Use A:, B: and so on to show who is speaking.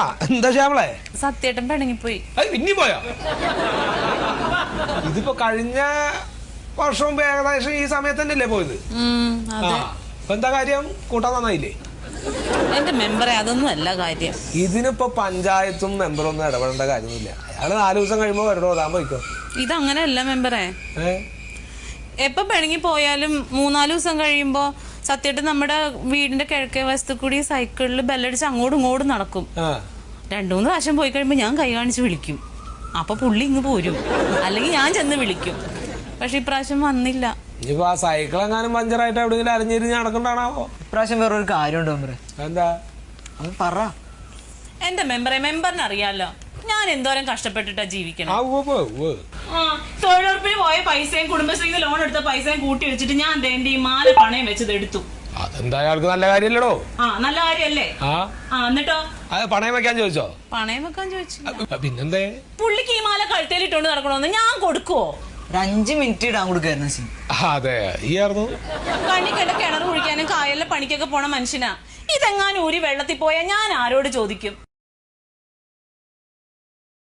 A: എന്താ ശ്യാമളെ?
B: സത്യേട്ടൻ പിണങ്ങിപ്പോയി.
A: പിന്നെ പോയോ? ഇതിപ്പോ കഴിഞ്ഞ വർഷവും ഏകദേശം ഈ സമയത്ത് തന്നെയല്ലേ പോയത്? ഇപ്പൊ എന്താ കാര്യം? കൂട്ടാൻ നന്നായില്ലേ?
B: എന്റെ മെമ്പറെ അതൊന്നും അല്ല കാര്യം.
A: ഇതിനിപ്പോ പഞ്ചായത്തും മെമ്പറും ഒന്നും ഇടപെടേണ്ട കാര്യമൊന്നുമില്ല. അയാള് 4 ദിവസം കഴിയുമ്പോ വരണോ താൻ പോയിക്കോ.
B: ഇതങ്ങനെയല്ല മെമ്പറെ. എപ്പൊ പിണങ്ങി പോയാലും 3-4 ദിവസം കഴിയുമ്പോ സത്യേട്ടൻ നമ്മുടെ വീടിന്റെ കിഴക്കേ വശത്ത് കൂടി സൈക്കിളിൽ ബെല്ലടിച്ച് അങ്ങോട്ടും ഇങ്ങോട്ടും നടക്കും. 2-3 പ്രാവശ്യം പോയി കഴിയുമ്പോ ഞാൻ കൈ കാണിച്ച് വിളിക്കും. അപ്പൊ പുള്ളി ഇങ്ങ് പോരും, അല്ലെങ്കിൽ ഞാൻ ചെന്ന് വിളിക്കും. പക്ഷെ ഇപ്രാവശ്യം വന്നില്ല.
A: ഇനിയിപ്പോ ആ സൈക്കിൾ എങ്ങാനും പഞ്ചറായിട്ട് എവിടെയെങ്കിലും അരഞ്ഞിരിഞ്ഞ് നടക്കണ്ടാണാവോ?
C: ഇപ്രാവശ്യം വേറൊരു കാര്യമുണ്ടോ മെമ്പറെ?
A: എന്താ
C: അത് പറ.
B: എന്റെ മെമ്പറിന് അറിയാലോ ഞാൻ എന്തോരം കഷ്ടപ്പെട്ടിട്ടാ ജീവിക്കണം. തൊഴിലുറപ്പിന് പോയ പൈസയും കുടുംബശ്രീന്ന് ലോൺ എടുത്ത പൈസയും കൂട്ടി വെച്ചിട്ട് ഞാൻ എന്റെ ഈ മാല പണയം വെച്ചത് എടുത്തു.
A: അതെന്താ അയാൾക്ക് നല്ല കാര്യല്ലടോ?
B: നല്ല കാര്യല്ലേ? എന്നിട്ടോ
A: പണയം വെക്കാൻ ചോദിച്ചോ?
B: പണയം വെക്കാൻ ചോദിച്ചു.
A: പിന്നെന്തേ?
B: പുള്ളിക്ക് ഈ മാല കഴുത്തേലിട്ടോണ്ട് നടക്കണോന്ന് ഞാൻ കൊടുക്കുവോ?
C: 5 മിനിറ്റ് ഇടാൻ കൊടുക്കായിരുന്നു.
A: അതെ, ഈയായിരുന്നു
B: കണ്ണി കണ്ട കിണർ കുഴിക്കാനും കായലിലെ പണിക്കൊക്കെ പോണ മനുഷ്യനാ. ഇതെങ്ങാനും ഊരി വെള്ളത്തിൽ പോയാൽ ഞാൻ ആരോട് ചോദിക്കും?